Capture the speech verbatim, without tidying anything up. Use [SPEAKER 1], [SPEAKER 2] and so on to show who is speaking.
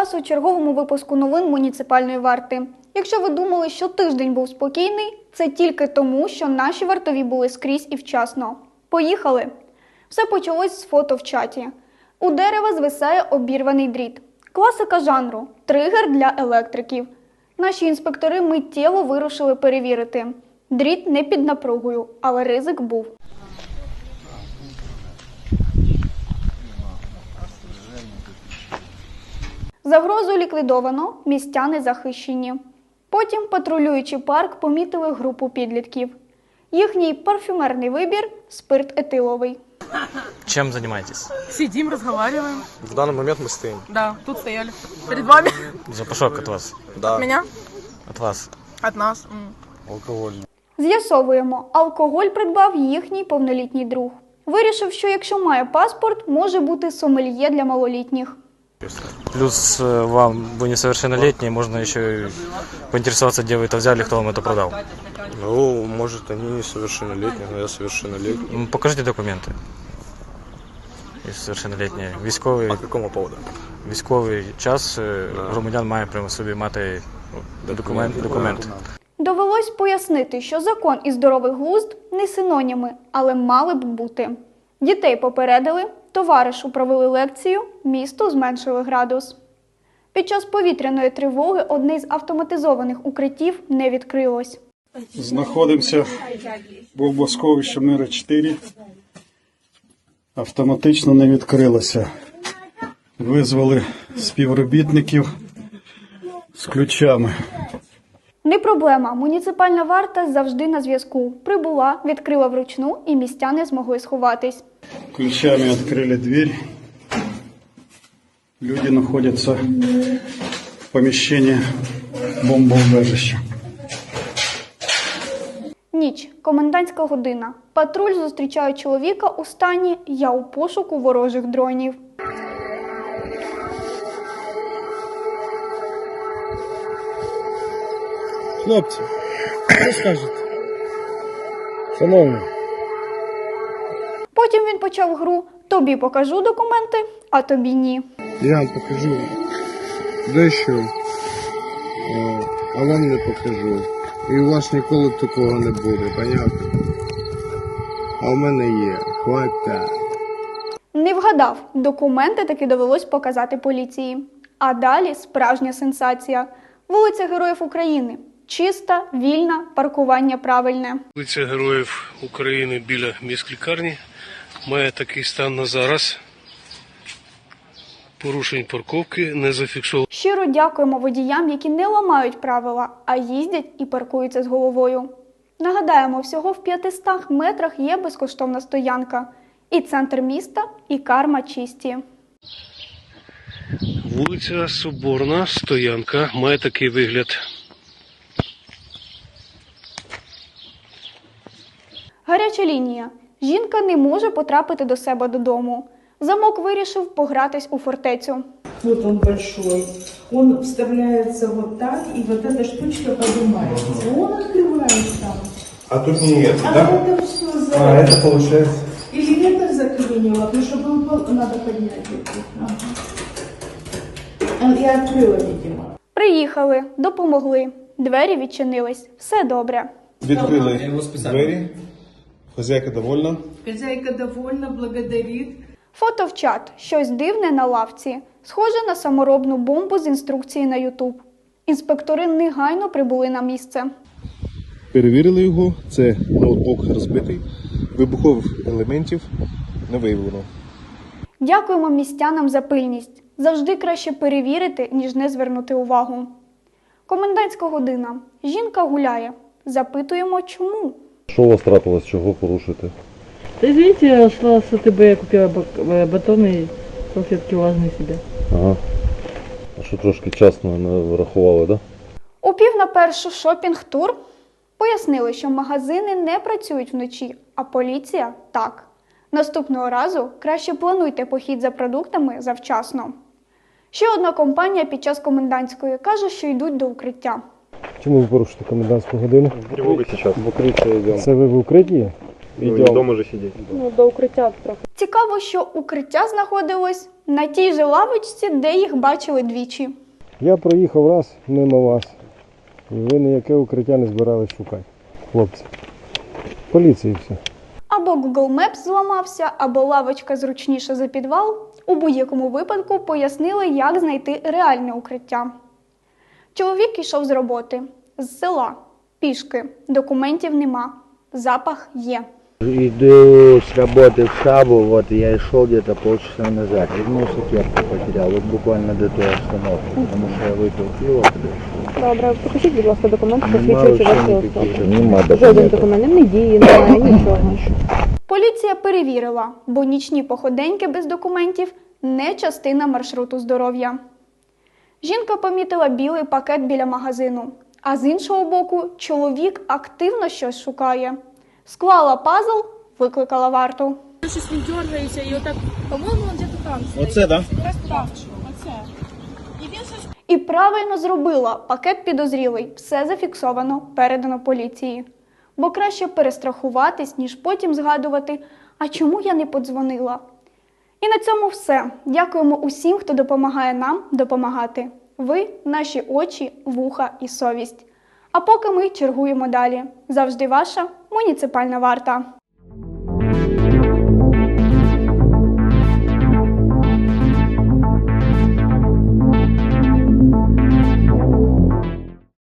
[SPEAKER 1] вас у черговому випуску новин муніципальної варти. Якщо ви думали, що тиждень був спокійний, це тільки тому, що наші вартові були скрізь і вчасно. Поїхали! Все почалось з фото в чаті. У дерева звисає обірваний дріт. Класика жанру – тригер для електриків. Наші інспектори миттєво вирушили перевірити. Дріт не під напругою, але ризик був. Загрозу ліквідовано, містяни захищені. Потім, патрулюючи парк, помітили групу підлітків. Їхній парфюмерний вибір – спирт етиловий.
[SPEAKER 2] Чем занимаетесь?
[SPEAKER 3] Сидим, разговариваем.
[SPEAKER 4] В данный момент мы стоим.
[SPEAKER 3] Да, тут стояли. Перед вами.
[SPEAKER 2] Запашок от вас.
[SPEAKER 4] Да.
[SPEAKER 3] От меня?
[SPEAKER 2] От вас.
[SPEAKER 3] От нас. М.
[SPEAKER 4] Алкоголь.
[SPEAKER 1] З'ясовуємо, алкоголь придбав їхній повнолітній друг. Вирішив, що якщо має паспорт, може бути сомельє для малолітніх.
[SPEAKER 2] Плюс э, вам, вы несовершеннолетние, можно еще и поинтересоваться, где вы это взяли, кто вам это продал.
[SPEAKER 4] Ну, может, они несовершеннолетние, но я совершеннолетний.
[SPEAKER 2] Ну, покажите документы. Если совершеннолетние. Військовий,
[SPEAKER 4] По какому поводу?
[SPEAKER 2] військовий час е, громадян має при собі мати ну, документ, документ.
[SPEAKER 1] Довелось пояснити, що закон і здоровий глузд не синоніми, але мали б бути. Дітей попередили, товаришу провели лекцію, місту зменшили градус. Під час повітряної тривоги одне з автоматизованих укриттів не відкрилось.
[SPEAKER 5] Знаходимося в бомбосховищі Мира чотири. Автоматично не відкрилося. Визвали співробітників з ключами.
[SPEAKER 1] Не проблема, муніципальна варта завжди на зв'язку. Прибула, відкрила вручну і містяни змогли сховатись.
[SPEAKER 5] Ключами відкрили двері. Люди знаходяться в поміщенні бомбоубежища.
[SPEAKER 1] Ніч, комендантська година. Патруль зустрічає чоловіка у стані «Я у пошуку ворожих дронів».
[SPEAKER 6] Хлопці, що скажете? Шановні.
[SPEAKER 1] Потім він почав гру «Тобі покажу документи, а тобі ні».
[SPEAKER 6] Я вам покажу дещо, а вам не покажу. І у вас ніколи такого не буде, понятно? А в мене є, хватить.
[SPEAKER 1] Не вгадав, документи таки довелось показати поліції. А далі справжня сенсація. Вулиця Героїв України. Чиста, вільна, паркування правильне.
[SPEAKER 7] Вулиця Героїв України біля міськлікарні має такий стан на зараз. Порушень парковки не зафіксовано.
[SPEAKER 1] Щиро дякуємо водіям, які не ламають правила, а їздять і паркуються з головою. Нагадаємо, всього в п'ятистах метрах є безкоштовна стоянка. І центр міста, і карма чисті.
[SPEAKER 7] Вулиця Соборна, стоянка, має такий вигляд.
[SPEAKER 1] Гаряча лінія. Жінка не може потрапити до себе додому. Замок вирішив погратись у фортецю.
[SPEAKER 8] Вот он большой, он вставляется вот так, и вот эта штучка поднимается. Он открывает там.
[SPEAKER 4] А тут нет,
[SPEAKER 8] А это все за...
[SPEAKER 4] А, это получается...
[SPEAKER 8] Или это заклинило, потому что был пол... Надо поднять это. Ага. Я открыла, видимо.
[SPEAKER 1] Приїхали, допомогли. Двері відчинились. Все добре.
[SPEAKER 4] Відкрили двері. Хозяйка довольна.
[SPEAKER 8] Хозяйка довольна, благодарит.
[SPEAKER 1] Фото в чат. Щось дивне на лавці. Схоже на саморобну бомбу з інструкції на ютуб. Інспектори негайно прибули на місце.
[SPEAKER 6] Перевірили його, це ноутбук розбитий, вибухових елементів не виявлено.
[SPEAKER 1] Дякуємо містянам за пильність. Завжди краще перевірити, ніж не звернути увагу. Комендантська година. Жінка гуляє. Запитуємо, чому.
[SPEAKER 9] Що у вас трапилось, чого порушити?
[SPEAKER 10] Да извините, я шла с АТБ, я купила батон и салфетки влажные себе.
[SPEAKER 9] Ага. А що трошки часно не врахували, да?
[SPEAKER 1] У пів на першу шопінг-тур пояснили, що магазини не працюють вночі, а поліція – так. Наступного разу краще плануйте похід за продуктами завчасно. Ще одна компанія під час комендантської каже, що йдуть до укриття.
[SPEAKER 6] Чому ви порушите комендантську годину?
[SPEAKER 9] Тривога зараз. В укриття йдемо.
[SPEAKER 6] Це ви в укритті?
[SPEAKER 4] Ну, не дома же сидеть.
[SPEAKER 10] Ну, до укриття трохи.
[SPEAKER 1] Цікаво, що укриття знаходилось на тій же лавочці, де їх бачили двічі.
[SPEAKER 11] Я проїхав раз мимо вас, і ви ніяке укриття не збирались шукати, хлопці. Поліції все.
[SPEAKER 1] Або Google Maps зламався, або лавочка зручніша за підвал. У будь-якому випадку пояснили, як знайти реальне укриття. Чоловік йшов з роботи, з села, пішки, документів нема, запах є.
[SPEAKER 12] Иду с работы в Шабу, вот я шел где-то полчаса назад, вернулся, кепку потерял, вот буквально до той остановки, потому что я выпил пиво.
[SPEAKER 10] Добре, покажіть, будь ласка, документи,
[SPEAKER 12] Нема
[SPEAKER 10] посвідчуючи
[SPEAKER 12] вообще
[SPEAKER 10] вашу
[SPEAKER 12] никаких,
[SPEAKER 10] особу.
[SPEAKER 12] нема
[SPEAKER 10] Жоден
[SPEAKER 12] документов.
[SPEAKER 10] документ не діє, немає, нічого.
[SPEAKER 1] Поліція перевірила, бо нічні походеньки без документів – не частина маршруту здоров'я. Жінка помітила білий пакет біля магазину, а з іншого боку чоловік активно щось шукає. Склала пазл, викликала варту.
[SPEAKER 3] Щось він дергається і отак, по-моєму, він десь там стоїть.
[SPEAKER 5] Оце, да?
[SPEAKER 3] Так, оце. І він щось...
[SPEAKER 1] І правильно зробила, пакет підозрілий, все зафіксовано, передано поліції. Бо краще перестрахуватись, ніж потім згадувати, а чому я не подзвонила? І на цьому все. Дякуємо усім, хто допомагає нам допомагати. Ви – наші очі, вуха і совість. А поки ми чергуємо далі. Завжди ваша муніципальна варта.